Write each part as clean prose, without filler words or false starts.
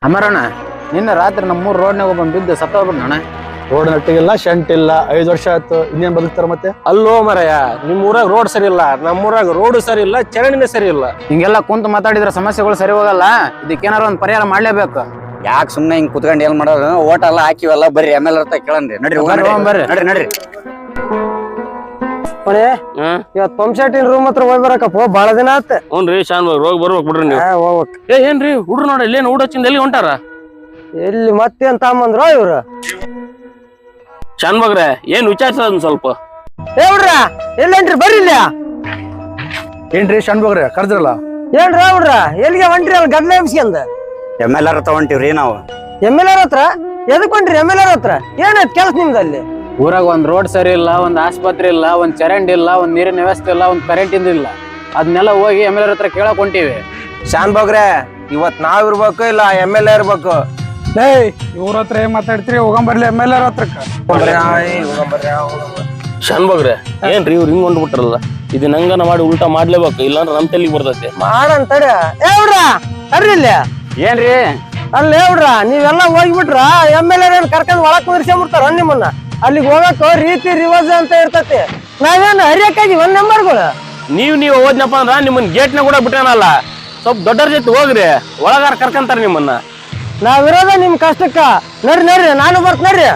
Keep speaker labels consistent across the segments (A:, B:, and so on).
A: ಅಮರಣ್ಣ ನಿನ್ನೆ ರಾತ್ರಿ ನಮ್ಮೂರ್ ರೋಡ್ನಾಗ ಒಬ್ಬ ಬಿದ್ದು ಸತ್ತೋಗ್ಬಿಡ್ನಣ್ಣ.
B: ರೋಡ್ ನಟ್ಟಿಗಿಲ್ಲ ಶಂಟ್ ಇಲ್ಲ 5 ವರ್ಷ ಆಯ್ತು ಇನ್ನೇನ್ ಬದುಕ್ತಾರ ಮತ್ತೆ.
C: ಅಲ್ಲೋ ಮರಯ್ಯ, ನಿಮ್ ಊರಾಗ ರೋಡ್ ಸರಿ ಇಲ್ಲ, ನಮ್ಮೂರಾಗ ರೋಡ್ ಸರಿ ಇಲ್ಲ, ಚರಂಡಿನೇ ಸರಿ ಇಲ್ಲ.
A: ಹಿಂಗೆಲ್ಲ ಕುಂತು ಮಾತಾಡಿದ್ರೆ ಸಮಸ್ಯೆಗಳು ಸರಿ ಹೋಗಲ್ಲ. ಇದಕ್ಕೇನಾರ ಒಂದ್ ಪರಿಹಾರ ಮಾಡ್ಲೇಬೇಕು.
D: ಯಾಕೆ ಸುಮ್ಮನೆ ಹಿಂಗ್ ಕುತ್ಕೊಂಡು ಏನ್ ಮಾಡೋದು? ಓಟ್ ಎಲ್ಲ ಹಾಕಿವಲ್ಲ, ಬರ್ರಿ ಎಮ್ಎಲ್ ಇರ್ತ ಕೇಳನ್ರಿ. ನಡ್ರಿ
A: ಬರ್ರಿ
D: ನಡ್ರಿ.
C: ಇವತ್
B: ಪಂಪ್ ಸೆಟ್ಟಿನ ರೂಮ್ ಹತ್ರ ಹೋಗಿ ಬರಕಪ್ಪ, ಬಾಳ ದಿನ ಆತ.
C: ಹ್ಞೂನ್ರಿ ಶಾನ್ ರೋಗ ಬರ್ಬೇಕು ಬಿಡ್ರಿ ನೀವು.
B: ಹೋಗ್ಬೇಕು.
C: ಏನ್ರಿ ಹುಡ್ರು ನೋಡಿ ಇಲ್ಲೇನು ಊಟ ಹಚ್ಚಿಂದ ಎಲ್ಲಿ ಹೊಂಟಾರ?
B: ಎಲ್ಲಿ ಮತ್ತೇನ್ ತಾಂಬಂದ್ರ ಇವ್ರು?
C: ಶಾನ್ ಬಗ್ರೆ ಏನ್ ವಿಚಾರಿಸೋದ್ ಸ್ವಲ್ಪ.
B: ಹುಡ್ರ ಎಲ್ಲೇನ್ರಿ ಬರ್ರಿ ಇಲ್ಲ.
A: ಏನ್ರಿ ಶಣ್ಬೋಗ್ರಿ ಕರ್ದ್ರಲ್ಲ?
B: ಏನ್ರ ಹುಡ್ರ ಎಲ್ಲಿಗೆ ಹೊಂಟ್ರಿ? ಅಲ್ಲಿ ಗದ್ಲ ಎಂಸ್ಕೊಂಡ್
D: ಎಮ್ಎಲ್ ತಗೊಂತೀವ್ರಿ ನಾವು.
B: MLR ಹತ್ರ ಎದಕ್ ಹೊಂಟ್ರಿ? MLR ಹತ್ರ ಏನಾಯ್ತು ಕೆಲಸ ನಿಮ್ದಲ್ಲಿ?
A: ಊರಾಗ ಒಂದ್ ರೋಡ್ ಸರಿ ಇಲ್ಲ, ಒಂದ್ ಆಸ್ಪತ್ರೆ ಇಲ್ಲ, ಒಂದ್ ಚರಂಡಿ ಇಲ್ಲ, ಒಂದ್ ನೀರಿನ ವ್ಯವಸ್ಥೆ ಇಲ್ಲ, ಒಂದ್ ಕರೆಂಟ್ ಇಲ್ಲ. ಅದನ್ನೆಲ್ಲ ಹೋಗಿ MLR ಹತ್ರ ಕೇಳಕ್ ಹೊಂಟಿವಿ.
E: ಶಾನ್ ಬಗ್ರೆ ಇವತ್ ನಾವ್ ಇರ್ಬೇಕು ಇಲ್ಲ MLA ಇರ್ಬೇಕು?
B: ಇವ್ರ ಹತ್ರ ಏನ್ ಮಾತಾಡ್ತೀರಿ? ಹೋಗಂಬರ್ಲಿ MLR ಹತ್ರಕ್ಕ.
C: ಶಾನ್ ಬಗ್ರೆ ಏನ್ರಿ ಇವ್ರು ಹಿಂಗ್ ಹೊಂಟ್ಬಿಟ್ರಲ್ಲ, ಇದು ನಂಗನ ಮಾಡಿ ಉಲ್ಟಾ ಮಾಡ್ಲೇಬೇಕು, ಇಲ್ಲಾಂದ್ರೆ ನಮ್ ತಲೆಗೆ ಬರ್ತೈತೆ.
B: ಮಾಡಂತಡ ಹುಡ್ರ ಬರ್ರಿ ಇಲ್ಲಿ.
A: ಏನ್ರಿ
B: ಅಲ್ಲಿ ಹುಡ್ರ ನೀವೆಲ್ಲ ಹೋಗ್ಬಿಟ್ರ MLR ಏನ್ ಕರ್ಕೊಂಡ್ ಒಳಕ್ ಕುದಿರ್ಸ್ಕೊಂಡ್ಬಿಡ್ತಾರ ನಿಮ್ಮನ್ನ. ಅಲ್ಲಿಗೆ ಹೋಗಕ್ಕ ರೀತಿ ರಿವಾಜ್ ಅಂತ ಇರ್ತತಿ. ನಾವೇನು ಹರಿಯಕ್ಕಾಗಿ ಒಂದ್ ನಂಬರ್ಗಳು.
C: ನೀವು ಹೋದ್ನಪ್ಪ ಅಂದ್ರ ನಿಮ್ಮನ್ ಗೇಟ್ನ ಕೂಡ ಬಿಟ್ಟಾನಲ್ಲ, ಸ್ವಲ್ಪ ದೊಡ್ಡರ ಜೊತೆ ಹೋಗ್ರಿ, ಒಳಗಾರ ಕರ್ಕಂತಾರ ನಿಮ್ಮನ್ನ.
B: ನಾವಿರೋದ ನಿಮ್ ಕಷ್ಟಕ್ಕ. ನಡ್ರಿ ನಾನು ಬರ್ತೀರಿ.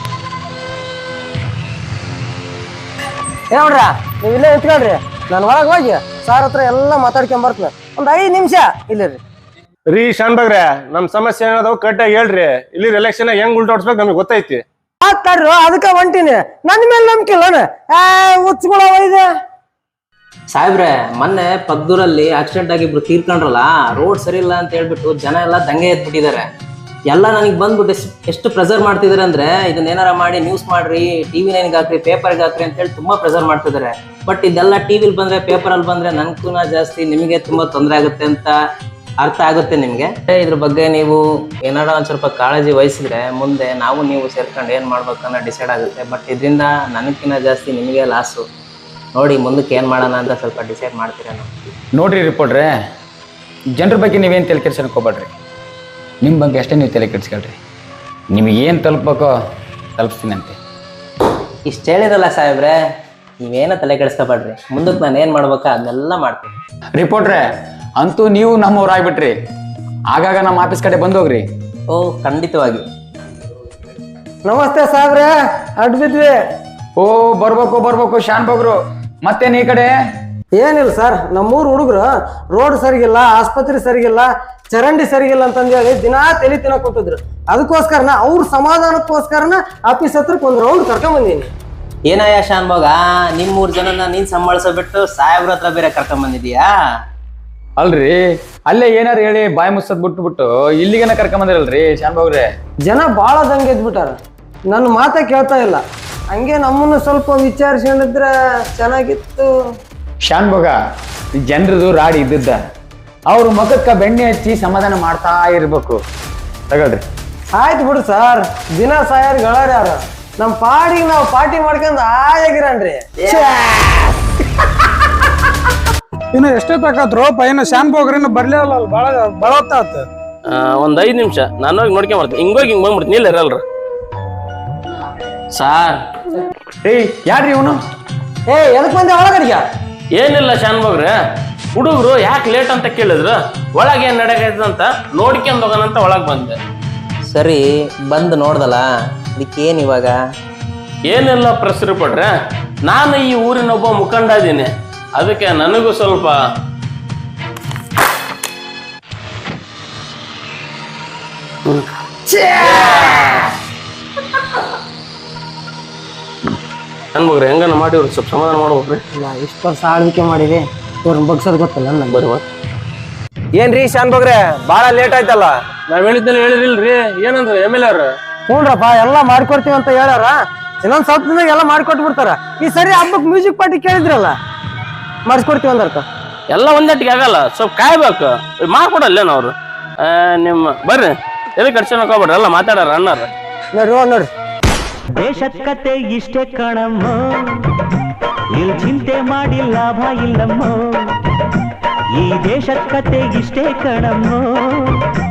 B: ಹುಡ್ರ ನೀವ್ ಇಲ್ಲೇ ಇತ್ಕೊಳ್ರಿ, ನಾನು ಒಳಗ್ ಹೋಗಿ ಸಾರ್ ಹತ್ರ ಎಲ್ಲಾ ಮಾತಾಡ್ಕೊಂಡ್ ಬರ್ತೀನಿ. ಒಂದ್ 5 ನಿಮಿಷ ಇಲ್ಲಿ
E: ರೀ ಶಾನ್ ಬಗ್ರೆ, ನಮ್ ಸಮಸ್ಯೆ ಏನದಾವ್ ಕರೆಕ್ಟಾಗಿ ಹೇಳ್ರಿ. ಇಲ್ಲಿ ಎಲೆಕ್ಷನ್ ಹೆಂಗ್ ಉಲ್ಟಾಡ್ಸ್ಬೇಕು ನಮಗೆ ಗೊತ್ತೈತಿ.
B: ಮಾತಾಡ್ರು ಅದಕ್ಕ ಹೊಂಟಿನಿ. ನನ್ ಮೇಲೆ ನಂಬಿಕಿಲ್ಲ ಹುಚ್ಚುಗಳ ಒಯ್ದೆ.
F: ಸಾಹೇಬ್ರೆ ಮೊನ್ನೆ ಪಕ್ದೂರಲ್ಲಿ ಆಕ್ಸಿಡೆಂಟ್ ಆಗಿ ಇಬ್ರು ತೀರ್ಕೊಂಡ್ರಲ್ಲ, ರೋಡ್ ಸರಿ ಇಲ್ಲ ಅಂತ ಹೇಳ್ಬಿಟ್ಟು ಜನ ಎಲ್ಲ ದಂಗೆ ಎದ್ಬಿಟ್ಟಿದ್ದಾರೆ. ಎಲ್ಲ ನನಗೆ ಬಂದ್ಬಿಟ್ಟು ಎಷ್ಟು ಪ್ರೆಸರ್ ಮಾಡ್ತಿದಾರೆ ಅಂದ್ರೆ, ಇದನ್ನೇನಾರ ಮಾಡಿ ನ್ಯೂಸ್ ಮಾಡ್ರಿ, TV 9 ಹಾಕ್ರಿ, ಪೇಪರ್ಗೆ ಹಾಕ್ರಿ ಅಂತ ಹೇಳಿ ತುಂಬಾ ಪ್ರೆಸರ್ ಮಾಡ್ತಿದ್ದಾರೆ. ಬಟ್ ಇದೆಲ್ಲ ಟಿವಿಲಿ ಬಂದ್ರೆ, ಪೇಪರಲ್ಲಿ ಬಂದ್ರೆ ನನ್ಕೂನ ಜಾಸ್ತಿ, ನಿಮಗೆ ತುಂಬಾ ತೊಂದರೆ ಆಗುತ್ತೆ ಅಂತ ಅರ್ಥ ಆಗುತ್ತೆ ನಿಮ್ಗೆ. ಇದ್ರ ಬಗ್ಗೆ ನೀವು ಏನಾರ ಒಂದ್ ಸ್ವಲ್ಪ ಕಾಳಜಿ ವಹಿಸಿದ್ರೆ ಮುಂದೆ ನಾವು ನೀವು ಸೇರ್ಕೊಂಡು ಏನ್ ಮಾಡ್ಬೇಕನ್ನ ಡಿಸೈಡ್ ಆಗುತ್ತೆ. ಬಟ್ ಇದರಿಂದ ನನಗಿನ್ನ ಜಾಸ್ತಿ ನಿಮಗೆ ಲಾಸು. ನೋಡಿ ಮುಂದಕ್ಕೆ ಏನ್ ಮಾಡೋಣ ಅಂತ ಸ್ವಲ್ಪ ಡಿಸೈಡ್ ಮಾಡ್ತೀರಾ?
G: ನೋಡ್ರಿ ರಿಪೋರ್ಟ್ರೆ, ಜನರ ಬಗ್ಗೆ ನೀವೇನು ತಲೆ ಕೆಡ್ಸೋಕೆ ಹೋಗ್ಬೇಡ್ರಿ. ನಿಮ್ಮ ಬಗ್ಗೆ ಅಷ್ಟೇ ನೀವು ತಲೆ ಕೆಡ್ಸ್ಕೊಳ್ರಿ. ನಿಮಗೇನು ತಲುಪಬೇಕೋ ತಲುಪಿಸ್ತೀನಂತೆ.
F: ಇಷ್ಟು ಹೇಳಿರಲ್ಲ ಸಾಹೇಬ್ರೆ, ನೀವೇನೋ ತಲೆ ಕೆಡಿಸ್ಕೊಬೇಡ್ರಿ. ಮುಂದಕ್ಕೆ ನಾನು ಏನ್ ಮಾಡ್ಬೇಕಾ ಅದನ್ನೆಲ್ಲ ಮಾಡ್ತೀನಿ.
G: ರಿಪೋರ್ಟ್ರೆ ಅಂತೂ ನೀವು ನಮ್ಮವ್ರಾಗ್ಬಿಟ್ರಿ. ಆಗಾಗ ನಮ್ಮ ಆಫೀಸ್ ಕಡೆ ಬಂದೋಗ್ರಿ.
F: ಓ ಖಂಡಿತವಾಗಿ.
B: ನಮಸ್ತೆ ಸಾಹೇಬ್ರೆ, ಅಡ್ಡ ಬಿದ್ವಿ.
G: ಓ ಬರ್ಬೇಕು ಶಾನ್ ಬಗ್ರು. ಮತ್ತೇನು ಈ ಕಡೆ?
B: ಏನಿಲ್ಲ ಸರ್, ನಮ್ಮೂರು ಹುಡುಗರು ರೋಡ್ ಸರಿಗಿಲ್ಲ, ಆಸ್ಪತ್ರೆ ಸರಿಗಿಲ್ಲ, ಚರಂಡಿ ಸರಿಗಿಲ್ಲ ಅಂತಂದೇಳಿ ದಿನಾ ತಲೆ ತಿನ್ನಕ್ ಕೂತಿದ್ರು. ಅದಕ್ಕೋಸ್ಕರನ ಅವ್ರ ಸಮಾಧಾನಕ್ಕೋಸ್ಕರನ ಆಫೀಸ್ ಹತ್ರಕ್ಕೆ ಒಂದ್ ರೌಂಡ್ ಕರ್ಕೊಂಡ್ ಬಂದೀನಿ.
F: ಏನಯ್ಯ ಶಾನ್ ಭಾಗ, ನಿಮ್ 3 ಜನನ ನೀನ್ ಸಂಭಾಳಿಸೋ ಬಿಟ್ಟು ಸಾಹೇಬ್ರ ಹತ್ರ ಬೇರೆ ಕರ್ಕೊಂಡ್ ಬಂದಿದೀಯಾ?
G: ಅಲ್ರಿ, ಅಲ್ಲೇ ಏನಾರು ಹೇಳಿ ಬಾಯಿ ಮುಚ್ಚದ್ ಬಿಟ್ಟು ಇಲ್ಲಿಗೇನ ಕರ್ಕೊಂಬಂದಿರಲ್ರಿ ಶಾನ್ ಬಗ್ರೆ.
B: ಜನ ಬಾಳ ದಂಗೆ ಎದ್ಬಿಟ್ಟಾರ, ನನ್ನ ಮಾತೇ ಕೇಳ್ತಾ ಇಲ್ಲ. ಹಂಗೆ ನಮ್ಮನ್ನು ಸ್ವಲ್ಪ ವಿಚಾರಿಸ್ಕೊಂಡಿದ್ರೆ ಚೆನ್ನಾಗಿತ್ತು.
G: ಶಾನ್ ಬಗ ಜನರದು ರಾಡಿ ಇದ್ದದ್ದ, ಅವ್ರ ಮುಖಕ್ಕ ಬೆಣ್ಣೆ ಹಚ್ಚಿ ಸಮಾಧಾನ ಮಾಡ್ತಾ ಇರ್ಬೇಕು. ತಗೊಳ್ರಿ.
B: ಆಯ್ತು ಬಿಡು ಸರ್, ದಿನ ಸಾಯರ್ ಯಾರು ನಮ್ಮ ಪಾಡಿಗೆ ನಾವು ಪಾರ್ಟಿ ಮಾಡ್ಕೊಂಡ್ ಆಗಿರನ್ರಿ.
H: ಇನ್ನು ಎಷ್ಟೇ ತಕತ್ರು ಪೈನ ಶಾನ್ ಬೋಗ್ರಿನ ಬರ್ಲೇ ಅಲ್ಲ, ಬಾಳ ಹೊತ್ತಾತ.
C: ಒಂದ್ 5 ನಿಮಿಷ ನಾನು ಹೋಗಿ ನೋಡ್ಕೊಂಡ್ ಬರ್ತೀನಿ. ಹಿಂಗ್ ಬಂದ್ಬಿಡ್ತೀನಿ. ಇಲ್ಲ ಇರಲ್ರ ಸಾರ್.
G: ಯಾರ್ರಿ ಇವನು?
B: ಎದಕ್ ಬಂದೆ ಒಳಗಡಿಗೆ?
C: ಏನಿಲ್ಲ ಶಾನ್ ಬಗ್ರೆ, ಹುಡುಗರು ಯಾಕೆ ಲೇಟ್ ಅಂತ ಕೇಳಿದ್ರು, ಒಳಗೆ ಏನ್ ನಡೆಯೈತೆ ಅಂತ ನೋಡ್ಕೊಂಡ್ ಹೋಗೋಣಂತ ಒಳಗ್ ಬಂದೆ.
F: ಸರಿ ಬಂದು ನೋಡ್ದಲ್ಲ, ಅದಕ್ಕೇನ್ ಇವಾಗ?
C: ಏನೆಲ್ಲ ಪ್ರೆಸ್ ರಿಪೋರ್ಟ್ರೆ, ನಾನು ಈ ಊರಿನ ಒಬ್ಬ ಮುಖಂಡ ಇದ್ದೀನಿ, ಅದಕ್ಕೆ ನನಗೂ ಸ್ವಲ್ಪ ಅನ್ಬೋಗ್ರಿ. ಹೆಂಗನ ಮಾಡಿ ಅವ್ರಿಗೆ ಸ್ವಲ್ಪ ಸಮಾಧಾನ ಮಾಡ್ಬೇಕ್ರಿ.
B: ಇಷ್ಟು ವರ್ಷ ಆಳ್ವಿಕೆ ಮಾಡಿವಿ, ಇವ್ರನ್ನ ಬಗ್ಸೋದು ಗೊತ್ತಲ್ಲ ನಂಗೆ.
C: ಬರುವ
E: ಏನ್ರಿ ಶಾನ್ ಬಗ್ರೆ, ಬಾಳ ಲೇಟ್ ಆಯ್ತಲ್ಲ?
C: ನಾವ್ ಹೇಳಿದ್ದೆಲ್ಲ ಹೇಳಿರಿಲ್ರಿ. ಏನಂದ್ರೆ MLR
B: ಹ್ಞೂನ್ರಪ್ಪ ಎಲ್ಲ ಮಾಡ್ಕೊಡ್ತೀವಿ ಅಂತ ಹೇಳ್ಯಾರ. ಇನ್ನೊಂದ್ ಸ್ವಲ್ಪ ದಿನ ಎಲ್ಲ ಮಾಡ್ಕೊಟ್ಟು ಬಿಡ್ತಾರ. ಈ ಸರಿ ಹಬ್ಬಕ್ಕೆ ಮ್ಯೂಸಿಕ್ ಪಾರ್ಟಿ ಕೇಳಿದ್ರಲ್ಲ, ಮಾಡಿಸ್ಕೊಡ್ತೀವಿ ಅಂದರ್ಕ.
C: ಎಲ್ಲ ಒಂದಟ್ಟಿಗೆ ಆಗಲ್ಲ, ಸ್ವಲ್ಪ ಕಾಯ್ಬೇಕು. ಮಾಡ್ಕೊಡಲ್ಲೇನ ಅವ್ರು? ನಿಮ್ಮ ಬರ್ರಿ, ಎದಕ್ಕೆ ಅಡ್ಸೋಕ್ ಹೋಗ್ಬೇಡ್ರಿ, ಎಲ್ಲ ಮಾತಾಡಾರ ಅಣ್ಣಾರ.
B: ನೋಡ್ರಿ
I: ದೇಶದ ಕತೆ ಇಷ್ಟೇ ಕಣಮ್ಮ, ಇಲ್ಲಿ ಚಿಂತೆ ಮಾಡಿ ಲಾಭ ಇಲ್ಲಮ್ಮ. ಈ ದೇಶದ ಕತೆ ಇಷ್ಟೇ ಕಣಮ್ಮ.